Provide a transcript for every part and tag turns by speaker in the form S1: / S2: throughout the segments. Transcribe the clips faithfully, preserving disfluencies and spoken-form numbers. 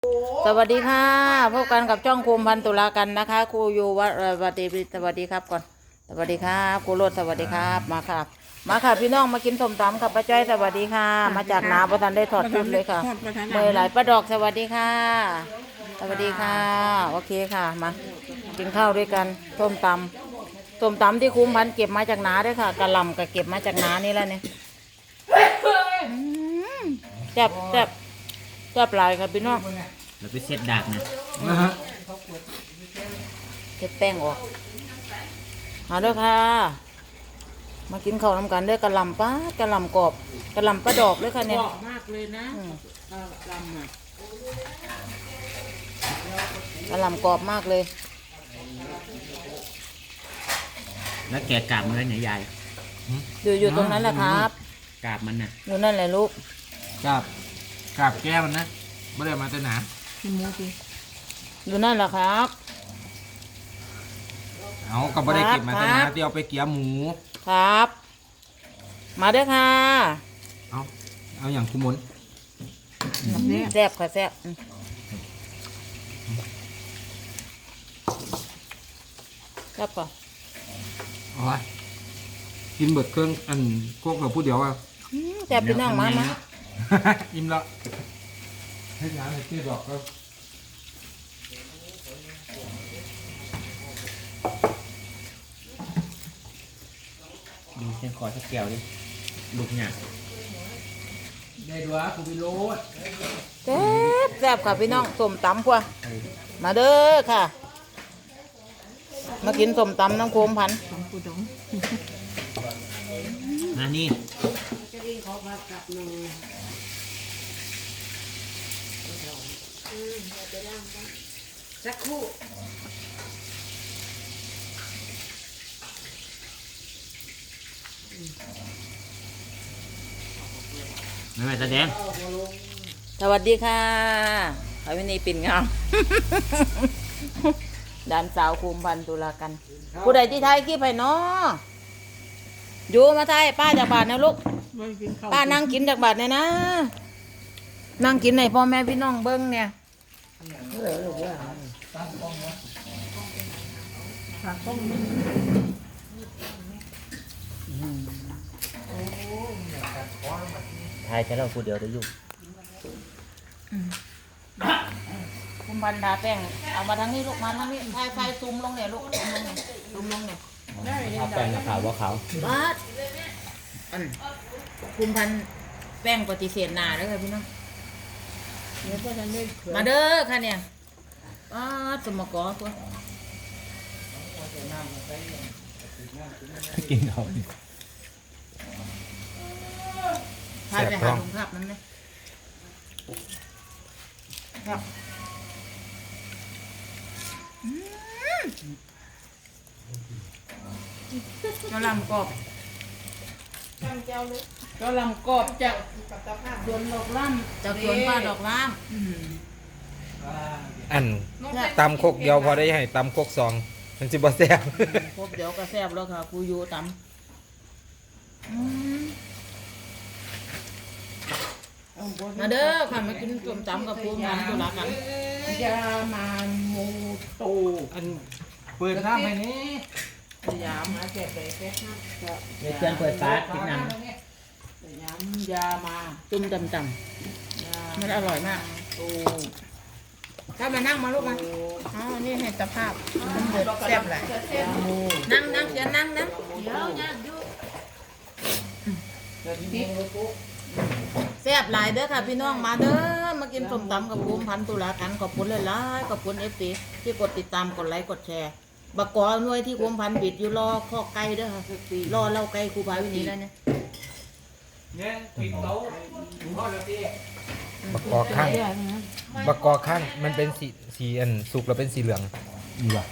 S1: สวัสดีค่ะพบกันกับช่องภูมิพันธุ์ตุลากันนะคะครูอยู่วัดสวัสดีสวัสดีครับก่อนสวัสดีครับครูโรดสวัสดีครับมาค่ะมาค่ะพี่น้องมากินส้มตำกับป้าจ้อยสวัสดีค่ะมาจากนาประทันได้ถอดชุดเลยค่ะเมื่อไหร่ป้าดอกสวัสดีค่ะสวัสดีค่ะโอเคค่ะมากินข้าวด้วยกันส้มตำส้มตำที่คุ้มพันธุ์เก็บมาจากนาด้วยค่ะกะหล่ำก็เก็บมาจากนานี่แหละเนี่ยแซ่บแซ่บแซ่บหลายค่ะพี่น้อง
S2: เราไปเช็ดดากนะ
S1: เช็ดแป้งออกมาด้วยค่ะมากินข้าวน้ำกันด้วยกะหล่ำป้ากะหล่ำกรอบกะหล่ำปลาดอกด้วยค่ะเนี่ย
S3: กรอบมากเลยนะกะหล่ำอ่ะ
S1: กะหล่ำกรอบมากเลย
S2: แล้วแกะกาบมันเลยเนี่ยยาย
S1: อยู่อยู่ตรงนั้นแหละครับ
S2: กาบมันน่ะ
S1: อยู่นั่นแหละลูก
S4: กาบกาบแก้มันนะไม่ได้มาแต่หนา
S1: อยู่นั่นแหละครับ
S4: เอาก็ไม่ได้เก็บมาแต่หนาที่เอาไปเกี่ยหมู
S1: ครับมาด้วยค่ะ
S4: เอาเอาอย่างคุมน
S1: แซ่บค่ะแซ่บแซ่บป่ะ
S4: อ๋อกินเบิดเครื่องอันพวกเราพูดเดียวว่า
S1: แซ่บพี่น้องมามา
S4: อิ่มละให้น้ำให้เตี้ยดอกก็
S2: ดูเส้นคอสักแก้วดิลูกเนี่ย
S4: ได้ด้วยคุณพิโรธ
S1: แซ่บแซ่บค่ะพี่น้องส้มตำกว่ามาเด้อค่ะมากินส้มตำน้ำโคมพัน
S2: มานี่
S3: สักครู่
S2: ไม่ไม่แสดง
S1: สวัสดีค่ะพระวินีปิ่นงามด่านสาวคุมพันตุลากันผู้ใดที่ไทยกี่ไปเนาะอยู่มาไทยป้าจากบาทนะลูกป้านั่งกินจากบาทเนี่ยนะนั่งกินในพ่อแม่พี่น้องเบิ้งเนี่ย
S2: ทายจะเล่าพูดเดียวได้ยุ่ง
S1: คุมพันดาแป้งเอามาทางนี้ลูกมาทางนี้ไฟไฟซูมลงเนี่ยลูกซูมลงเนี่ยซูมลงเนี่ย
S2: เอาแป้งขาวว่าขาว
S1: บ้าอันคุมพันแป้งปฏิเสธหนาเลยค่ะพี่น้องมาเด้อค่ะเนี่ยป้าสมกอตัว
S2: กินเขา
S1: พาไปหาถุงภาพนั้นเลยครับกะหล่ำกรอบกะหล่ำกรอบจากสวนดอกล่ำจากสวนป้าดอกล่ำ
S4: อันตำโคกเดียวพอได้ให้ตำโคกสองมันจิบะแซ่บ
S1: ครบเดี๋ยวก็แซ่บแล้วค่ะครูยูตำมาเด้อค่ะมากินส้มตำกับครูมันตุลากัน
S3: ยามาโมโต
S4: อันเปิดน้ำให้นี่
S3: ยามาแก่แก่แก่
S2: เดี๋ยวเพื่อนเปิดฟ้ากินน้ำ
S3: ยายามา
S1: จุ่มตำๆมันอร่อยมาก
S3: โต
S1: ถ้ามานั่งมาลูกมาอ๋อนี่เห็นสภาพมันเดือดแซ่บแหละนั่งนั่งจะนั่งนะเดี๋ยวนั่งอยู่แซ่บหลายเด้อค่ะพี่น้องมาเด้อมากินส้มตำกับภูมิพันธุ์ตุลากันขอบคุณเลยล่ะขอบคุณเอฟซีที่กดติดตามกดไลค์กดแชร์บักกอหน่วยที่ภูมิพันธุ์บิดอยู่รอข้อไก่เด้อค่ะรอเล่าไก่ครูพาวินีแล้วเนี่ย
S4: เนี่ยปิดโต๊ะบักกอข้างบักกอข้างมันเป็นสีสีอันสุกแล้วเป็นสีเหลืองนี่ว่ะ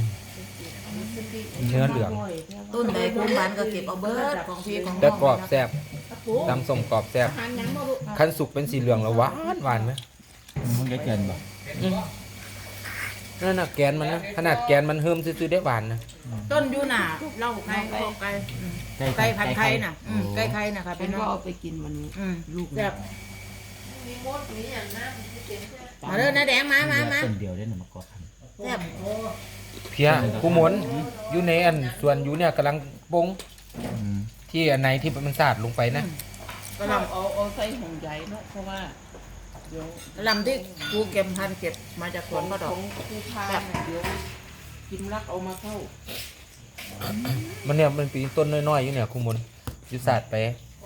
S4: เนื้อเหลือง
S1: ต้นใดภูมิพันธุ์ก็เก็บเอาเบิร์ดของพี่ของน้อง
S4: แต่กรอบแซ่บตำส้มกรอบแซ่บขั้นสุกเป็นสีเหลืองแล้วหวานหวานไหม
S2: มันจะเกินบ่
S4: นั่นน่ะแกนมันนะขนาดแกนมันเฮิมซื้อๆได้หวานนะ
S1: ต้นยูน่ะเล่าไก่ไก่ไก่พันไข่น่ะไก่ไข่น่ะค่ะพี่น้อง
S3: ก็เอาไปกินวันนี้
S1: ลูกแบบ
S3: มีมดมีอย่างนั้น
S1: มาเด้อนะแดงมามามา
S2: ต้นเดียวได้หนึ่งมะกอกคัน
S1: แซ่บ
S4: เพียกูหมุนอยู่ในอันส่วนอยู่เนี่ยกำลังปรุง
S2: อืม
S4: ที่อันไหนที่มันสาดลงไปนะ
S3: กระลำเอาเอาใส่ห่วงใหญ่เนาะเพราะว่าเดี๋ยว
S1: ลำที่กูเก็บพันเก็บมาจากสวนก็ด
S3: ข
S1: อ
S3: อก งผู้พาน่ะเดี๋ยวกินรักเอามาเข้า
S4: มันเนี่ยมันปีนต้นน้อยๆอยู่เนี่ยกูหมุนอยู่สาดไป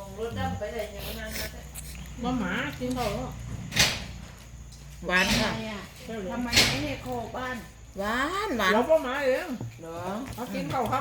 S3: ว่าหมากินเขาเนาะ
S1: หวานค่ะ
S3: ทำไมไม่ให้โคบ้าน
S1: หวานหวาน
S3: เราก็หมาเอง
S1: เหรอ
S3: เขากินเขาท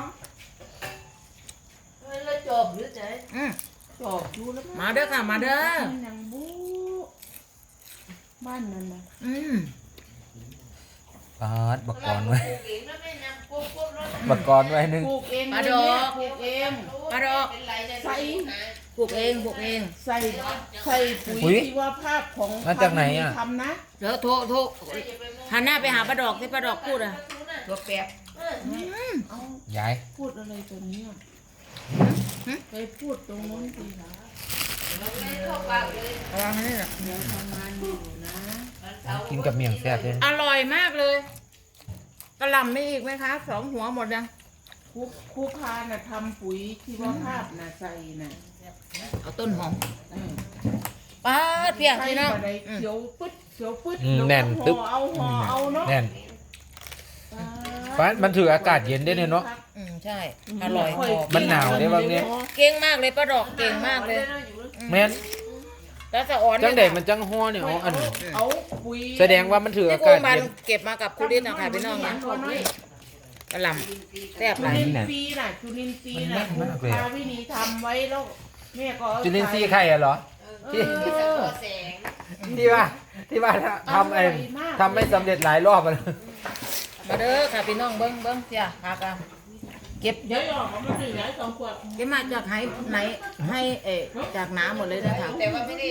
S5: แล้วจบหรือไง
S1: อืม
S3: ำจอบดูแล้ว
S1: มาเด้อค่ะมาเด้อ
S3: นางบูบ้านนั่นนะ
S1: อืม
S4: ปาดบักกอนไว้
S5: ปลูกเองแล้วไม่นำปุ๊บปุ๊บแล้ว
S4: บักกอนไว้หนึง
S3: ปลูกเอง
S1: ปลาด
S3: เล
S1: อย
S3: เนี่ย
S1: ก
S3: ปลูกเอง
S1: ปลาดอก
S5: เป็นไรเนี่ย
S3: ใส่
S1: ปลูกเองปลูกเอง
S3: ใส่ใส่ปุ๋ยชีวภาพของ
S4: มาจากไหนอ่ะ
S3: ทำนะ
S1: เดี๋ยวโทรโทรหันหน้าไปหาปลาดอกที่ปลาดอกพูดอ่ะ
S3: ตัวแปบ เอา
S4: ย้าย
S3: พูดอะไรตัวเนี้ยไปพูดตรงโน้นสิคะ
S5: เข้าปากเลย
S1: ระวังนี่นะ
S3: เดี๋ยวทำงานอยู่นะ
S4: กินกับเมี่ยงแซ่บเลย
S1: อร่อยมากเลยกระหล่ำมีอีกไหมคะสองหัวหมดยัง
S3: ครูครูพาน่ะทำปุ๋ยชีวภาพน่ะใส่น่ะ
S1: เอาต้นหอม
S3: เออ
S1: ป้าดเพียง
S3: ใส่
S1: พี่น้อง
S3: มาได้
S1: อืม
S3: เขียวปึ๊ดเขียวปึ๊ด
S4: อืม
S3: ล้วก็
S4: แน่นตึ๊บ
S3: ห่อเอาห่อเอาเนาะ
S4: แน่นปาดมันถืออากาศเย็นได้เนี่ยเนาะ
S1: อืมใช่อร่อยหอม
S4: มันหนาวได้บ้างเนี่ย
S1: เก่งมากเลยปลาดอกเก่งมากเลย
S4: แม่น
S1: แล้วสะอ่อน
S4: จังเด็ก
S1: มั
S4: มันจังฮ้อเนี่ยอ๋ออัน
S3: เอาปุ๋ย
S4: แสดงว่ามันถือ
S1: ที่
S4: อา
S1: โก
S4: กาศ
S1: บัน
S4: เย็น
S1: เก็บมากับคุริสนะคะพี่น้องนะกระหล่ำแซ่บห
S3: จุ
S1: ลาย
S3: ลินทรีย์น่ะจุลินทรีย์น่ะครูพาวินีทำไว้แล้วแม่ก็เอา
S4: จุลินทรีย์ไข่อะเหรอ ที่
S5: เออแสง
S4: ที่ว่าที่ว่าทำไอ้ทำไม่สำเร็จหลายรอบอะ
S1: มาเด้อค่ะพี่น้องเบิ้งเบิ้งเจ้าพากันเก็บ
S3: เดี๋ยวออกมาถึงไหนสองขวด
S1: เก็บมาจากไหไหนให้เออจากน้ำหมดเลยนะคะ
S5: แต่ว่าไม่ได้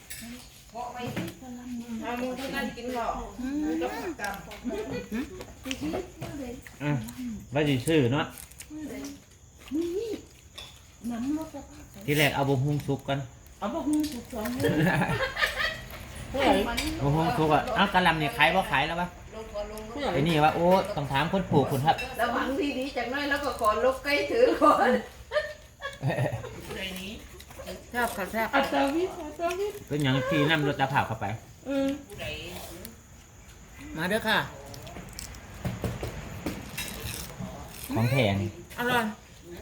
S3: ทำเท่านั้นกินหรอก
S2: อ่ะว่าสิซื้อเนาะ
S3: น้ำรสภาพ
S2: ที่แรกเอาบะฮุงซุกกัน
S3: เอาพวกมึงถูกสองเลย
S2: บะฮุงซุกอ่ะเอ้ากะหลำเนี่ยขายบ่ขายแล้วปะ
S5: ลงก่อนลง
S2: ไอ้นี่ว่าโอ้ต้องถามคนปลูกคุณครับ
S5: ระวังทีนี้จากน้อยแล้วก็ขอลบใกล้ถือก่อน
S1: แซ่บค่ะแซ่บ
S3: อัตวิทย์อัตวิทย์
S2: เป็นอย่างที่นำรถตะเผาเข้าไป
S3: เออ
S1: มาเด้อค่ะ
S2: ของแพง
S1: อร่อย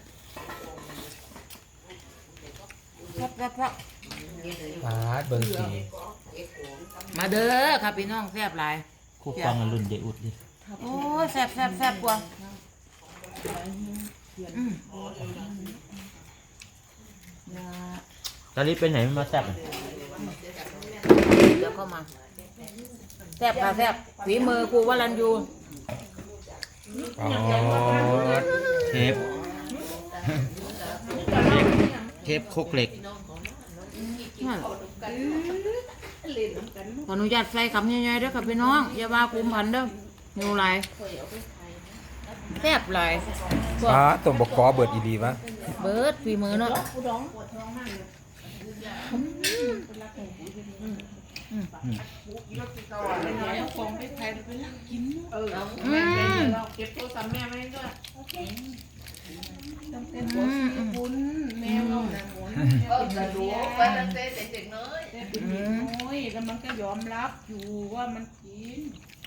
S1: แซ่บแซ่บแซ่บ
S4: ปาดเบิ่งสี
S1: มาเด้อค่ะพี่น้องแซ่บหลาย
S2: คู่กองกับรุ่นเดอุดดิ
S1: โอ้ยแซ่บแซ่บแซ่บกว่าอืม
S2: ตอนนี้เป็นไหนมันมาแซ่บอะ
S1: เดี๋ยวเข้ามาแซ่บค่ะแซ่บฝีมือครูวรัญยู
S4: อ๋อ
S2: เชฟเชฟคุกเหล็ก
S1: นั่นขออนุญาตใส่คำใหญ่ๆเด้อค่ะพี่น้องอย่าว่าคุมพันเด้อหิวหลายแซ่บหลายพวก
S4: ปาดต้มบักกอเบิดอีดีวะ
S1: เบิดฝีมือเนาะ
S3: ผู้ดองปวดท้องมากเลยเป็นไรเอาของไปใครไปนั่งกินเออเอาแม่เราเก็บโทรศัพท์แม่ไว้ด้วยต้องเป็นหัวสีบุญแม่เราหนังหมุน
S5: ก็จะรู้ไปตั้งแต่เด็กๆน้อย
S3: แต่เป็นเด็กน้อยแล้วมันก็ยอมรับอยู่ว่ามันกิน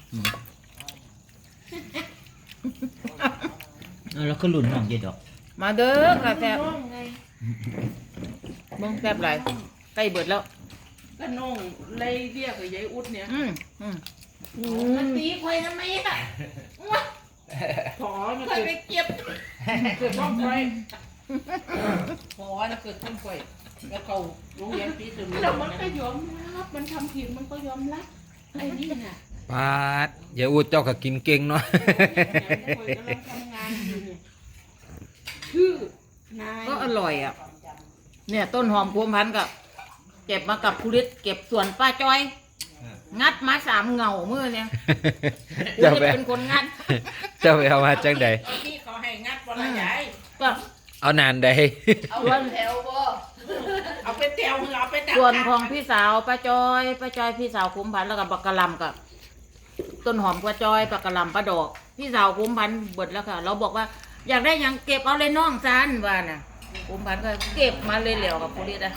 S2: เอาแล้วก็รุ่นน้องเยดอก
S1: มาเด้อค่ะแซ่บ
S3: น้องไง
S1: เบิ่งแซ่บหลายใกล้เบิดแล้ว
S3: ก็น้องเลยเรียกกับยายอุดเนี่ย
S1: อืมอืม
S3: มันตีควยทำไมอ่ะขอมันเกิดไปเก็บเกิดต้องควยขอนะเกิดต้องควยแล้วเขาโรงเรียนปีถึงแล้วมันก็ยอมรับมันทำผิดมันก็ยอมรับไอ้นี่น่ะ
S4: ปาดอย่าอูดเจ้าก็กินเก่งเนาะ
S3: ควยกำลังทำงานอยู่เนี่ยชื่อนาย
S1: ก็อร่อยอ่ะเนี่ยต้นหอมพวงพันธุ์กับเก็บมากับคุริสเก็บสวนป้าจอย งัดมาสามเหงามือเนี่ยคุ
S4: เจ้า
S1: ริส
S4: ไป
S1: เป็นคนงัด
S4: เจ้าไปเอามาจังใด
S3: ที่เขาให้งัดวันละใหญ่
S1: ก็
S4: เอานานใด
S5: เอาวันแถวบ่
S3: เอาเอาไปเตียวเอาไปดัก
S1: ส่วนของพี่สาวป้าจอยป้าจอยพี่สาวคุ้มพันธุ์แล้วก็บักกะหลำกับต้นหอมป้าจอยบักกะหลำป้าดอก พี่สาวคุ้มพันธุ์เบิดแล้วค่ะ เราบอกว่าอยากได้หยังเก็บเอาเลยน้องซันว่าน่ะคุ้มพันธุ์ก็เก็บมาเลยเหลวกับผู้ลิดอะ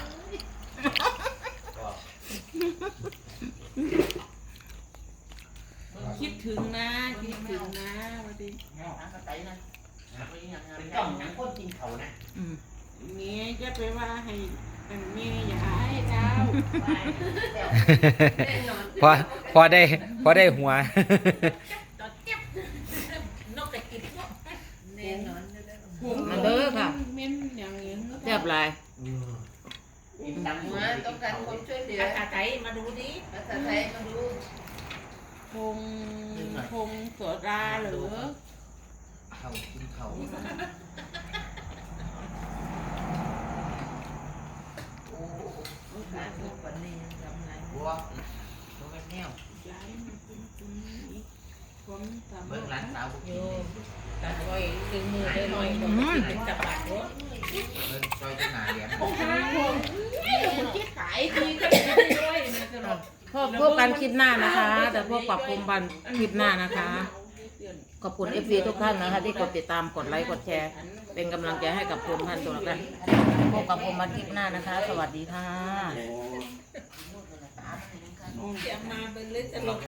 S3: คิดถึงนะคิดถึงนะวันนี้
S2: เป็นจ้องหนังคนกินเขานะ
S1: อืม
S3: เมียจะไปว่าให้เป็นเมียอย่าให้เจ้า
S5: แน่นอน
S4: พอพอได้พอได้หัว
S3: ตอนเจ็บนกกระจิบเนาะ
S5: แน่นอน
S1: มาเด้อค่ะ
S3: เม้นอย่างนี้
S1: แซ่บหลาย
S2: กินดัง
S5: มาต้องการความช่วยเหลือ
S3: ภาษาไทยมาดูดิ
S5: ภาษาไทยมาดู
S3: พงพงโสดาหรือ
S2: เขากินเขา
S5: โอ้ขาดทุกวันนี้ยังทำไง
S2: บัวตัวเป็นแนว
S3: ย้ายมาเป็นคนนี้ผมทำ
S2: เบิ่งร้านสาวบุก
S3: โย
S2: กิน
S3: ตัดไว้ดึงมือได้หน่อยผมเป็นจับปากรถ
S2: เบิ่งซอยจะหาเหรียญ
S3: โอ้โหคนที่ขายดีก็ได้ด้วยนะตลอด
S1: พบพบกันคลิปหน้านะคะ แต่พวกปรับปรุงบันคลิปหน้านะคะ ขอบคุณ เอฟ ซี ทุกท่านนะคะ ที่กดติดตามกดไลค์กดแชร์ เป็นกำลังใจให้กับผมพันตัวละกันพบกับผมบันคลิปหน้านะคะ สวัสดีค่ะ
S3: จะมาเป็นเลยจะลง